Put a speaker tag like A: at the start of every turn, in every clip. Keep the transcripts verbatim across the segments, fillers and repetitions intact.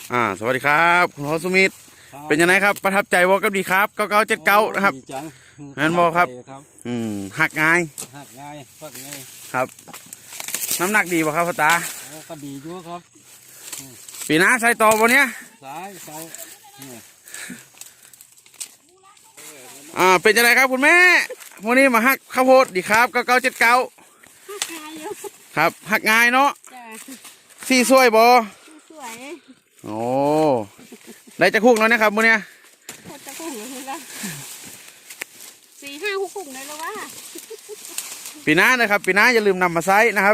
A: อ่าสวัสดีครับคุณโฮสุมิตรเป็นยังไงครับประทับใจวอกับดีครับเก้าเก้าเจ็ดเก้านะครับงั้นบอกครับอืมหักง่าย
B: หักง่ายฟักง่าย
A: ครับน้ำหนักดีป่ะครับพ่อตา
B: โอ้ก็ดีด้วยครับ
A: ปีหน้าใส่ต่อวันเนี้ย
B: สายสาย
A: อ่าเป็นยังไงครับคุณแม่วันนี้มาหักข้าวโพดดีครับเก้าเก้าเจ็ดเก้าครับหักง่ายเนาะสี่สวยบอ
C: สวย
A: โอ้ได้จะคุกแล้วนะครับวันเนี้ย
C: จะคุกเหรอสี่ห้าคุกคุกเลยแล้ววะ
A: ปีหน้านะครับปีหน้าอย่าลืมนำมาใช้นะครับ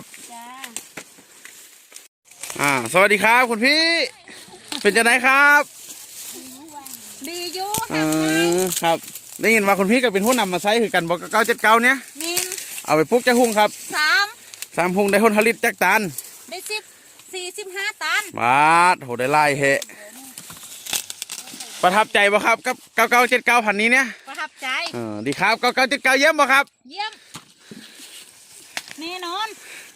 A: อ่าสวัสดีครับคุณพี่เป็นยังไงครับ
C: ดีอยู่
A: อืมครับได้ยินว่าคุณพี่ก็เป็นผู้นำมาใช้คือกันบอกเก้าเจ็ดเก้าเนี้ยเอาไปปลูกจะหุ่งครับ
C: สาม
A: สามหุ่งได้ผลผลิตจักตัน
C: ได้สิบสี่สิบห้าตัน
A: บาทโหได้ไล่เหประทับใจบ่ครับกับเก้าเก้าเจ็ดเก้าพันนี้เนี่ย
C: ประทับใจ
A: เออดีครับเก้าเก้าเจ็ดเก้าเยี่ยมบ่ครับ
C: เยี่ยมแน่นอน